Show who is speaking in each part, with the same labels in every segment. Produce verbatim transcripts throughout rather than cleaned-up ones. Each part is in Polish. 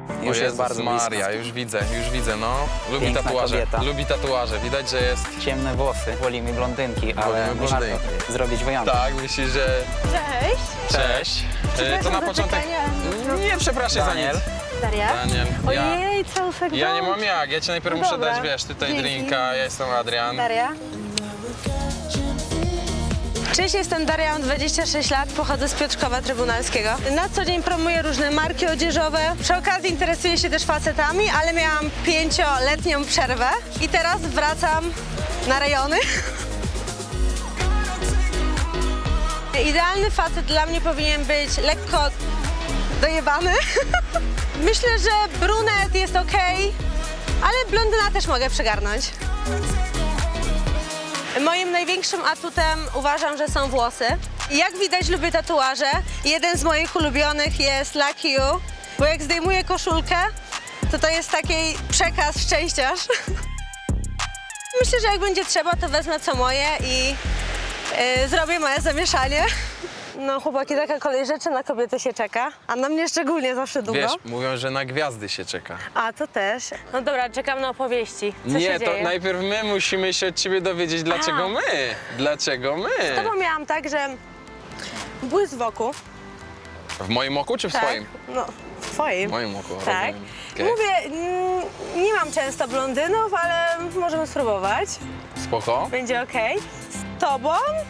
Speaker 1: Już jest
Speaker 2: Jezus
Speaker 1: bardzo
Speaker 2: Maria,
Speaker 1: blisko.
Speaker 2: już widzę, już widzę, no. Lubi
Speaker 1: Piękna
Speaker 2: tatuaże,
Speaker 1: kobieta.
Speaker 2: lubi tatuaże. Widać, że jest...
Speaker 1: Ciemne włosy, wolimy blondynki, ale
Speaker 2: Wolimy
Speaker 1: warto
Speaker 2: blondynki.
Speaker 1: zrobić wyjątek.
Speaker 2: Tak, myślisz, że...
Speaker 3: Cześć.
Speaker 2: Cześć. E, To na
Speaker 3: za
Speaker 2: początek...
Speaker 3: czekanie.
Speaker 2: Nie, przepraszam za
Speaker 1: Daniel.
Speaker 2: nic.
Speaker 3: Daria?
Speaker 2: Daniel, ja...
Speaker 3: Ojej, całusek
Speaker 2: Ja nie mam jak, ja ci najpierw
Speaker 3: No
Speaker 2: muszę
Speaker 3: dobra.
Speaker 2: dać, wiesz, tutaj
Speaker 3: Dzięki.
Speaker 2: drinka, ja jestem Adrian.
Speaker 3: Daria? Cześć, jestem Daria, mam dwadzieścia sześć lat, pochodzę z Piotrkowa Trybunalskiego. Na co dzień promuję różne marki odzieżowe. Przy okazji interesuję się też facetami, ale miałam pięcioletnią przerwę i teraz wracam na rejony. Idealny facet dla mnie powinien być lekko dojebany. Myślę, że brunet jest ok, ale blondyna też mogę przygarnąć. Moim największym atutem uważam, że są włosy. Jak widać, lubię tatuaże. Jeden z moich ulubionych jest Lucky You, bo jak zdejmuję koszulkę, to to jest taki przekaz szczęściarz. Myślę, że jak będzie trzeba, to wezmę co moje i yy, zrobię moje zamieszanie. No chłopaki, taka kolej rzeczy na kobiety się czeka, a na mnie szczególnie zawsze długo.
Speaker 2: Wiesz, mówią, że na gwiazdy się czeka.
Speaker 3: A, to też. No dobra, czekam na opowieści. Co
Speaker 2: Nie,
Speaker 3: się
Speaker 2: to
Speaker 3: dzieje?
Speaker 2: najpierw my musimy się od ciebie dowiedzieć, dlaczego
Speaker 3: A.
Speaker 2: my. Dlaczego my?
Speaker 3: Z tobą miałam tak, że błysk wokół.
Speaker 2: W moim oku czy w
Speaker 3: Tak?
Speaker 2: twoim?
Speaker 3: No, w twoim.
Speaker 2: W moim oku,
Speaker 3: Tak.
Speaker 2: rozumiem. Okej.
Speaker 3: Mówię, mm, nie mam często blondynów, ale możemy spróbować.
Speaker 2: Spoko.
Speaker 3: Będzie okej. Z tobą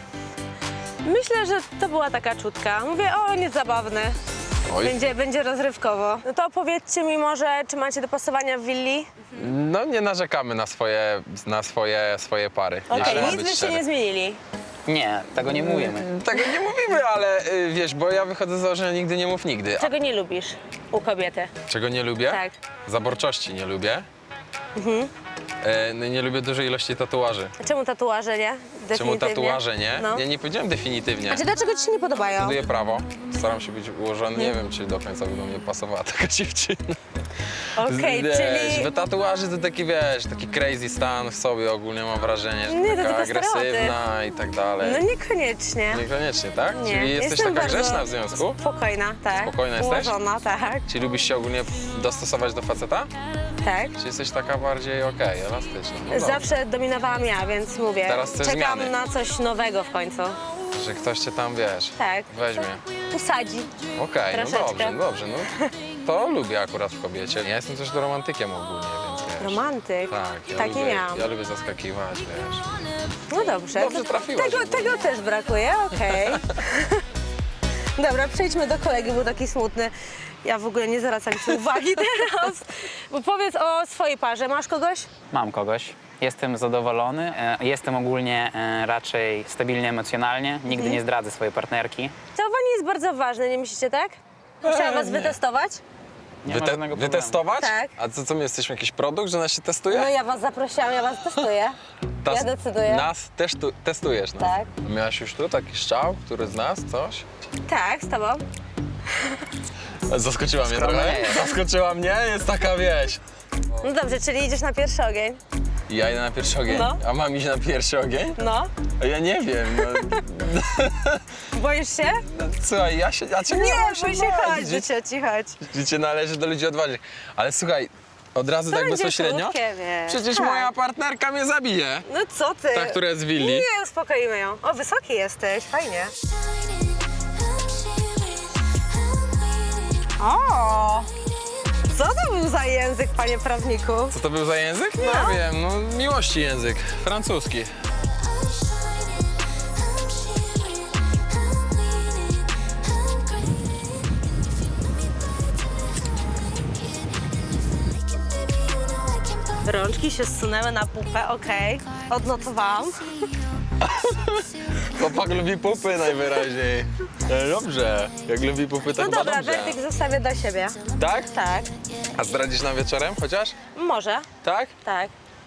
Speaker 3: myślę, że to była taka czutka. Mówię, o, nie zabawne.
Speaker 2: Oj.
Speaker 3: Będzie, będzie rozrywkowo. No to opowiedzcie mi może, czy macie dopasowania w willi?
Speaker 2: No nie narzekamy na swoje, na swoje, swoje pary.
Speaker 3: Okej,
Speaker 2: jeśli mam
Speaker 3: nic
Speaker 2: być
Speaker 3: byście
Speaker 2: szczery.
Speaker 3: nie zmienili.
Speaker 1: Nie, tego nie mówimy.
Speaker 2: Tego nie mówimy, ale y, wiesz, bo ja wychodzę z założenia nigdy nie mów nigdy. A
Speaker 3: Czego nie lubisz u kobiety?
Speaker 2: czego nie lubię?
Speaker 3: Tak.
Speaker 2: Zaborczości nie lubię. E, no, nie lubię dużej ilości tatuaży.
Speaker 3: A czemu tatuaże, nie?
Speaker 2: Czemu
Speaker 3: Definitywnie.
Speaker 2: tatuaże nie?
Speaker 3: No.
Speaker 2: Ja nie powiedziałem definitywnie.
Speaker 3: A czy dlaczego ci się nie podobają?
Speaker 2: Studiuję prawo, staram się być ułożony. Nie wiem, czy do końca by do mnie pasowała taka dziewczyna.
Speaker 3: Okej,
Speaker 2: wiesz,
Speaker 3: czyli...
Speaker 2: bo tatuaży to taki, wiesz, taki crazy stan w sobie ogólnie mam wrażenie, że
Speaker 3: Nie, to
Speaker 2: taka
Speaker 3: tylko
Speaker 2: agresywna i tak dalej.
Speaker 3: No niekoniecznie.
Speaker 2: Niekoniecznie, tak?
Speaker 3: Nie,
Speaker 2: Czyli jesteś
Speaker 3: jestem
Speaker 2: taka
Speaker 3: bardzo
Speaker 2: grzeczna w związku?
Speaker 3: Spokojna, tak.
Speaker 2: Spokojna jesteś?
Speaker 3: Ułożona, tak.
Speaker 2: Czy lubisz się ogólnie dostosować do faceta?
Speaker 3: Tak.
Speaker 2: Czy jesteś taka bardziej okej, elastyczna? No dobrze.
Speaker 3: Zawsze dominowałam ja, więc mówię,
Speaker 2: Teraz chcesz
Speaker 3: czekam
Speaker 2: zmiany.
Speaker 3: na coś nowego w końcu.
Speaker 2: Że ktoś cię tam, wiesz,
Speaker 3: Tak.
Speaker 2: weźmie.
Speaker 3: Usadzi.
Speaker 2: Okej, no
Speaker 3: Troszeczkę.
Speaker 2: dobrze, no dobrze, no to lubię akurat w kobiecie. Ja jestem też do romantykiem ogólnie, więc wiesz.
Speaker 3: Romantyk.
Speaker 2: Tak, ja
Speaker 3: tak
Speaker 2: lubię,
Speaker 3: nie miałam.
Speaker 2: ja lubię zaskakiwać, wiesz.
Speaker 3: No dobrze.
Speaker 2: Dobrze
Speaker 3: to
Speaker 2: trafiłaś
Speaker 3: Tego,
Speaker 2: w ogóle.
Speaker 3: tego też brakuje, okej. Dobra, przejdźmy do kolegi, był taki smutny. Ja w ogóle nie zwracam ci uwagi teraz. Bo powiedz o swojej parze. Masz kogoś?
Speaker 1: Mam kogoś. Jestem zadowolony. e, Jestem ogólnie e, raczej stabilny emocjonalnie. Nigdy
Speaker 3: Mhm.
Speaker 1: nie zdradzę swojej partnerki.
Speaker 3: Całowanie jest bardzo ważne, nie myślicie tak? Chciałam was
Speaker 2: nie.
Speaker 3: wytestować.
Speaker 1: Nie ma
Speaker 2: Wyte-
Speaker 1: żadnego problemu.
Speaker 2: wytestować?
Speaker 3: Tak.
Speaker 2: A co, co my jesteśmy jakiś produkt, że nas się testuje?
Speaker 3: No ja was zaprosiłam, ja was testuję.
Speaker 2: Tas-
Speaker 3: Ja decyduję.
Speaker 2: Nas też tu, testujesz nas.
Speaker 3: Tak.
Speaker 2: Miałaś już tu taki strzał, który z nas, coś?
Speaker 3: Tak, z tobą.
Speaker 2: Zaskoczyła mnie
Speaker 1: Skromnie
Speaker 2: trochę.
Speaker 1: jest.
Speaker 2: Zaskoczyła mnie, jest taka wieś.
Speaker 3: No dobrze, czyli idziesz na pierwszy ogień.
Speaker 2: Ja idę na pierwszy ogień,
Speaker 3: No.
Speaker 2: a mam iść na pierwszy ogień?
Speaker 3: No.
Speaker 2: A ja nie wiem, no.
Speaker 3: Boisz się?
Speaker 2: Słuchaj, ja się, a czego
Speaker 3: Nie,
Speaker 2: ja mam
Speaker 3: bój się,
Speaker 2: bać?
Speaker 3: chodź do cioci, chodź.
Speaker 2: Życie należy do ludzi odważnych. Ale słuchaj, od razu
Speaker 3: To
Speaker 2: tak
Speaker 3: będzie
Speaker 2: bezpośrednio?
Speaker 3: krótkie, wiesz.
Speaker 2: Przecież
Speaker 3: Tak.
Speaker 2: moja partnerka mnie zabije.
Speaker 3: No co ty?
Speaker 2: Ta, która jest z willi.
Speaker 3: Nie, uspokoimy ją. O, wysoki jesteś, fajnie. O! Co to był za język, panie prawniku?
Speaker 2: Co to był za język? Nie
Speaker 3: No.
Speaker 2: wiem, no miłości język, francuski.
Speaker 3: Rączki się zsunęły na pupę, okej. Odnotowałam.
Speaker 2: Chłopak lubi pupy najwyraźniej. E, Dobrze, jak lubi pupy, to
Speaker 3: No
Speaker 2: chyba
Speaker 3: dobra,
Speaker 2: dobrze.
Speaker 3: werdykt zostawię dla siebie.
Speaker 2: Tak?
Speaker 3: Tak.
Speaker 2: A zdradzisz nam wieczorem chociaż?
Speaker 3: Może.
Speaker 2: Tak?
Speaker 3: Tak.